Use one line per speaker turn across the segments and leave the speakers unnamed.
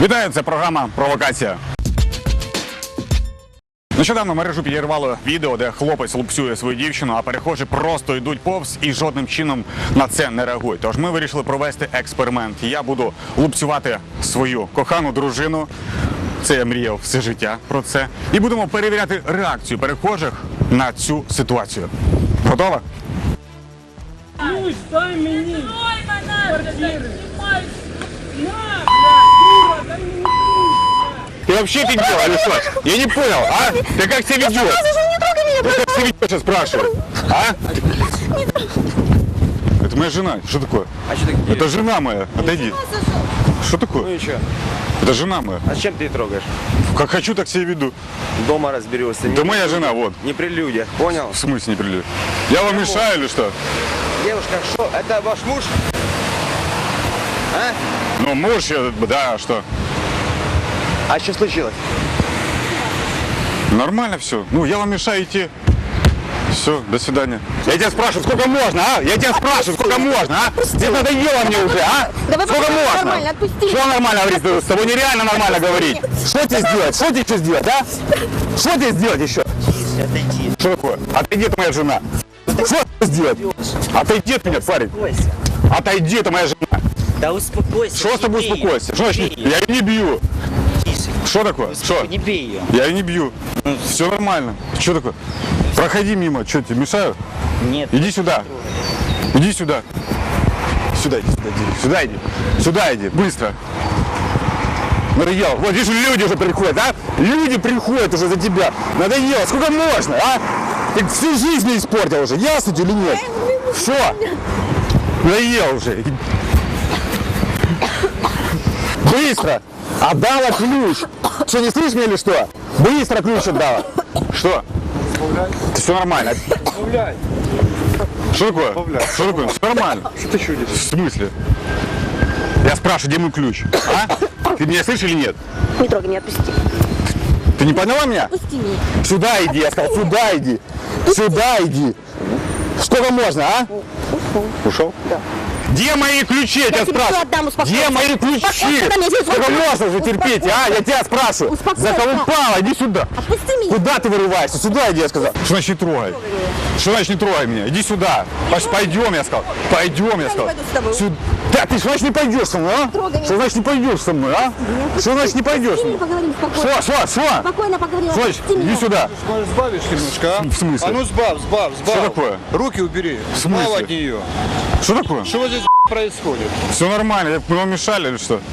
Вітаю, це програма «Провокація». Нещодавно мережу підірвало відео, де хлопець лупцює свою дівчину, а перехожі просто йдуть повз і жодним чином на це не реагують. Тож ми вирішили провести експеримент. Я буду лупцювати свою кохану дружину. Це я мріяв все життя про це. І будемо перевіряти реакцію перехожих на цю ситуацію. Готова?
Ключ, дай мені! Квартири!
Ты вообще офигел, или что? Я не понял, а? Ты как себя ведешь? Ты как себя ведешь, я спрашиваю? А? Это моя жена. Что такое?
А что ты
Это жена моя. Отойди. Что такое?
Ну и что?
Это жена моя.
А чем ты трогаешь?
Как хочу, так себя веду.
Дома разберешься.
Это моя жена, вот.
Не при людях, понял?
В смысле не прилет? Я вам мешаю или что?
Девушка, что? Это ваш муж? А?
Ну, муж, да, что?
А что случилось?
Нормально все. Ну, я вам мешаю идти. Все, до свидания. Я тебя спрашиваю, сколько можно, а? Я тебя спрашиваю, сколько можно, а? Ты надоело мне уже, а?
Давай
Сколько можно?
нормально, отпусти.
Что нормально говорить? С тобой нереально нормально говорить. Что тебе сделать? Что тебе еще сделать, а? Что тебе сделать еще? Что такое? Отойди, это моя жена. Что тебе сделать? Отойди от меня, парень. Отойди, это моя жена.
Да успокойся.
Что с тобой успокойся? Что значит? Я ее не бью. Что такое? Что?
Не бей ее.
Я ее не бью. Все нормально. Что такое? Проходи мимо. Что, тебе мешаю?
Нет.
Иди сюда. Иди сюда. Сюда иди, сюда иди. Сюда иди. Сюда иди. Быстро. Надоело. Вот видишь, люди уже приходят, а? Люди приходят уже за тебя. Надоело. Сколько можно, а? Ты всю жизнь мне испортил уже. Ясно тебе или нет? Все. Надоело уже. Быстро. Отдала ключ. Что, не слышишь меня или что? Быстро ключ отдала. Что? Все нормально. Что такое? Что такое? Все нормально.
Что ты чудишь?
В смысле? Я спрашиваю, где мой ключ? А? Ты меня слышишь или нет?
Не трогай меня, отпусти.
Ты не поняла меня?
Отпусти меня.
Сюда иди, я сказал, сюда иди. Сюда иди. Сколько можно, а? Ушел? Да. Где мои ключи, я тебя
тебе
спрашиваю?
всё отдам, успокойся.
Где мои ключи?
Успокойся, дай мне здесь
Сколько
вот.
можно уже терпеть, а? Я тебя спрашиваю.
Успокойся.
Заколупала, иди сюда.
Отпусти меня.
Куда ты вырываешься? Сюда иди, я сказал. Что значит не трогай? Что значит не трогай меня? Иди сюда. Пойдем, я сказал. Пойдем, я сказал.
пойду с тобой.
Сюда. Да, ты что значит не пойдешь со мной, а?
Трогай меня.
Что значит не пойдешь со мной, а? Что значит не пойдешь со мной?
Поговорим спокойно.
Что?
Спокойно поговорим.
Что?
Отпусти меня.
Иди сюда.
Может, сбавишь немножко, а?
В смысле?
А ну сбавь.
Что такое?
Руки убери.
В смысле?
Сбавь от нее.
Что такое?
Что вот здесь происходит?
Все нормально. Мы вам мешали или что?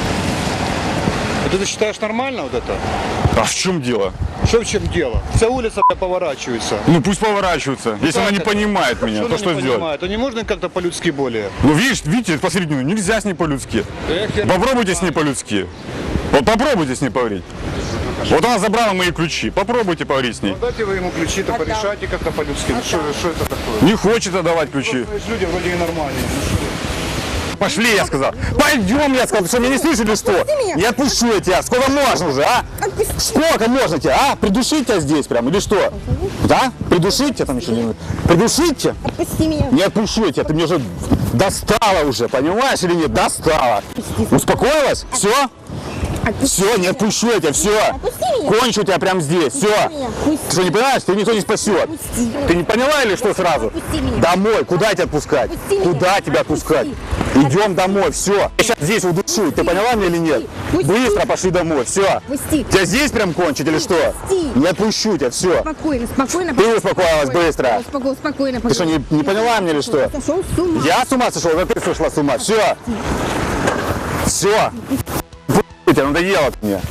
Это ты считаешь нормально вот это?
А в чем дело?
Что в чем дело? Вся улица поворачивается.
Ну пусть поворачиваются. Если
как
она не
это?
понимает меня, то
она
что
не
сделать?
понимает? А не можно как-то по-людски более?
Ну видите, посередине, нельзя с ней по-людски.
Эх, я-
Попробуйте с ней по-людски. Вот попробуйте с ней поговорить. Вот она забрала мои ключи. Попробуйте поговорить с ней.
Дайте вы ему ключи-то, порешайте как-то по-людски. Ну, что это такое?
Не хочет отдавать ключи.
То есть люди вроде и нормальные. Ну, что?
Пошли, я сказал. Пойдем, я сказал. Ты что, меня не слышишь или что? Не отпущу я тебя. Сколько можно уже, а? Сколько можно тебя, а? Придушить тебя здесь прям или что? Да? Придушить тебя там еще не... Придушить тебя?
Отпусти меня.
Не отпущу я тебя. Ты мне уже достала уже, понимаешь или нет? Достала. Успокоилась? Все? Все, не отпущу я тебя, все.
Отпусти меня.
Кончу тебя прям здесь, все.
меня. Пусти.
Ты что, не понимаешь? Ты никто не спасет.
Отпусти.
Ты не поняла или что сразу?
Отпусти меня.
Домой. Куда тебя отпускать?
Отпусти меня.
Куда тебя отпускать? Идем домой, все. Я сейчас здесь удушу. Ты поняла меня или нет?
Пусти.
Быстро пошли домой, все.
Отпусти.
Тебя здесь прям кончить или что?
Пусти.
Не отпущу тебя, все.
Спокойно.
Ты успокоилась быстро.
Спокойно.
Ты что, не поняла меня или что?
Сошел с ума.
Я с ума сошел, ты сошла с ума. Все. Все. Тебя надоело мне.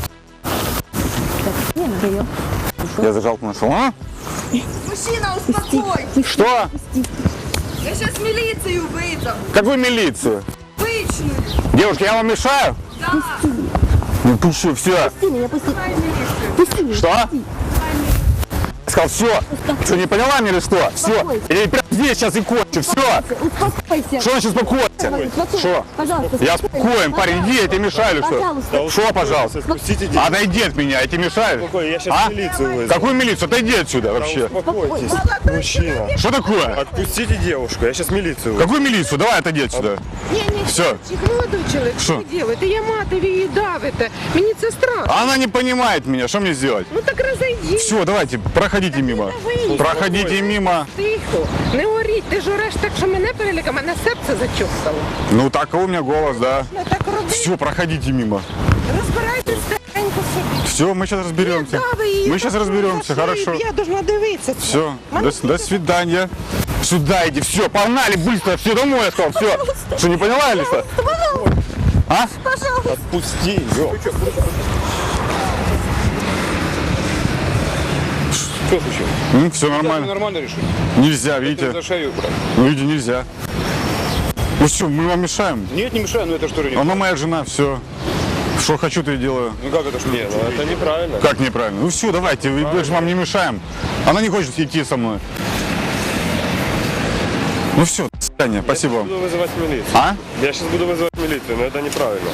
Не надоел.
Я зажал нашел. А?
Мужчина, успокойся.
Что?
Я сейчас милицию вызову.
Какую милицию?
Обычную.
Девушки, я вам мешаю?
Да.
Не пущу, все.
Пусти меня, пусти. Пусти меня.
Что? Я сказал, все. Что, не поняла меня или что? Все. Я прям здесь сейчас и кончу. молча, все.
Успокойся.
Что значит успокойся? Что?
Пожалуйста.
Я спокоен, парень, иди, я тебе мешаю или что?
Пожалуйста.
Что, пожалуйста?
Спустите девушку.
Отойди от меня, я тебе мешаю?
Я сейчас
А?
милицию вызову.
Какую милицию? Отойди отсюда вообще.
Успокойтесь, мужчина.
Что такое?
Отпустите девушку, я сейчас милицию вызову.
Какую милицию? Давай отойди отсюда. Все.
Молодой чоловік,
Що?
що ви робите? Я матері її давите. Мені це страшно.
Она не понимает меня, что мне сделать?
Ну так розійдіть.
Все, давайте, проходите мимо. Проходите мимо.
Тихо, не оріть, ти ж ореш так, що мене переліка, мене серце зачухало.
Ну, такой у меня голос, да.
Ну так роби,
Все, проходите мимо.
розбирайтесь тихенько собі.
Все, мы сейчас разберемся.
Дави її,
Мы сейчас
так,
разберемся,
за шию,
хорошо.
Я должна дивитися.
Все, до свидания. Сюда иди, все, погнали быстро, все домой, я сказал, все. Что, не поняла или что? А?
Отпусти ее. Что случилось?
Все нормально.
Нормально решили?
Нельзя, видите?
За шею брать.
Ну, видите, нельзя. Ну все, мы вам мешаем.
Нет, не мешаю, но это что ли не...
Она моя жена, все. Что хочу, то и делаю.
Ну как это что? Нет, ну это неправильно.
Как неправильно? Ну все, давайте, мы же вам не мешаем. Она не хочет идти со мной. Ну все, до свидания, спасибо
Я
вам.
буду вызывать милицию.
А?
Я сейчас буду вызывать милицию, но это неправильно.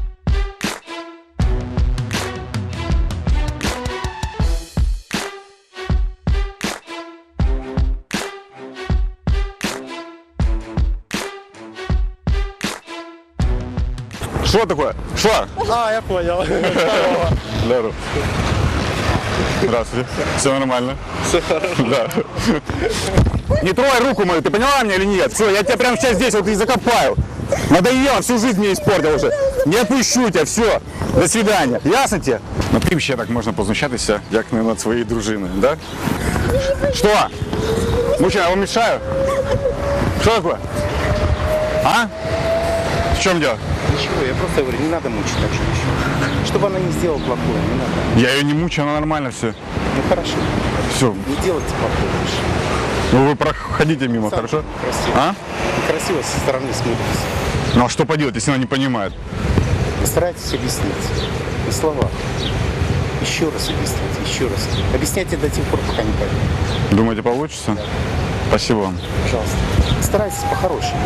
Что такое? Что?
А, я понял.
Здорово. Здравствуйте. Все нормально?
Все хорошо.
Да. Не трогай руку мою, ты поняла меня или нет? Все, я тебя прямо сейчас здесь вот и закопаю. Надоело, всю жизнь мне испортил уже. Не отпущу тебя, все. До свидания. Ясно тебе? Ну ким ще так можна познущатися, як не над своєю дружиною, да? Що? Мужчина, я вам мешаю? Что такое? А? В чем дело?
Ничего, я просто говорю, не надо мучить так женщину. Чтобы она не сделала плохое, не надо.
Я ее не мучаю, она нормально все.
Ну хорошо,
Все.
не делайте плохое больше.
Ну вы проходите мимо,
Сам
хорошо?
Красиво.
А?
Красиво со стороны смотрится.
Ну а что поделать, если она не понимает?
Постарайтесь объяснить. На словах. Еще раз объясните, еще раз. Объясняйте до тех пор, пока не поймет.
Думаете, получится? Спасибо вам.
Пожалуйста. Старайтесь по-хорошему.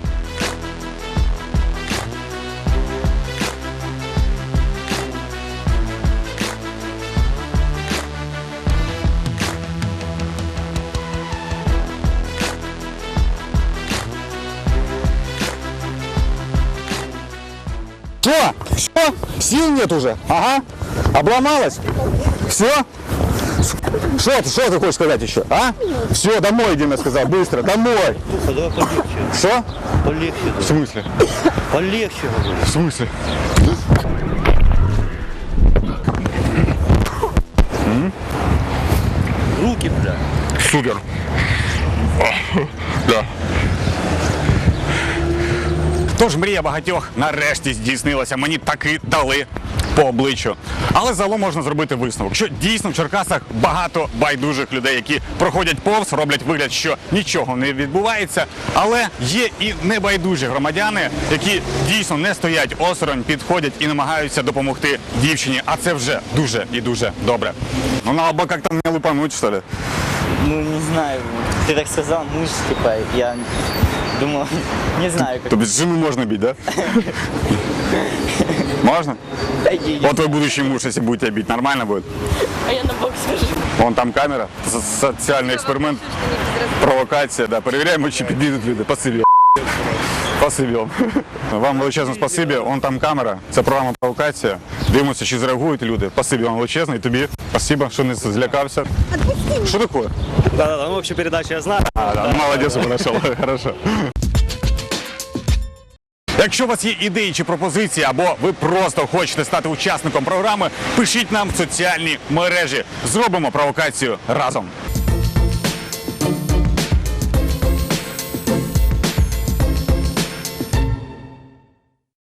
Что? Все? Сил нет уже? Ага. Обломалась? Все? Что ты хочешь сказать еще? А? Все, домой иди, я сказал. Быстро, домой.
Давай полегче.
Что?
Полегче.
В смысле?
Полегче, говорю.
В смысле?
Руки, бля.
Супер. Да. Тож мрія багатьох нарешті здійснилася. Мені таки дали по обличчю. Але загалом можна зробити висновок, що дійсно в Черкасах багато байдужих людей, які проходять повз, роблять вигляд, що нічого не відбувається. Але є і небайдужі громадяни, які дійсно не стоять осторонь, підходять і намагаються допомогти дівчині. А це вже дуже і дуже добре. Ну, надо бы как-то мне лупануть, что ли?
Ну, не знаю. Ты так сказал, муж, типа, я думал, не знаю, как.
То без жены можно бить, да? Можно? Вот твой будущий муж, если будет тебя бить, нормально будет?
А я на бокс скажу.
Вон там камера, социальный эксперимент, провокація, да, перевіряємо, чи підійдуть люди, посиб'ємо. Посиб'ємо. Вам величезне спасибі, вон там камера, це програма провокація, дивимося, чи зреагують люди, спасибі вам величезне, і тобі спасибо, що не злякався. Що таке?
Да-да-да, ну, общую передачу я знаю.
Ну, молодець, знайшов, хорошо. Якщо у вас є ідеї чи пропозиції, або ви просто хочете стати учасником програми, пишіть нам в соціальні мережі. Зробимо провокацію разом.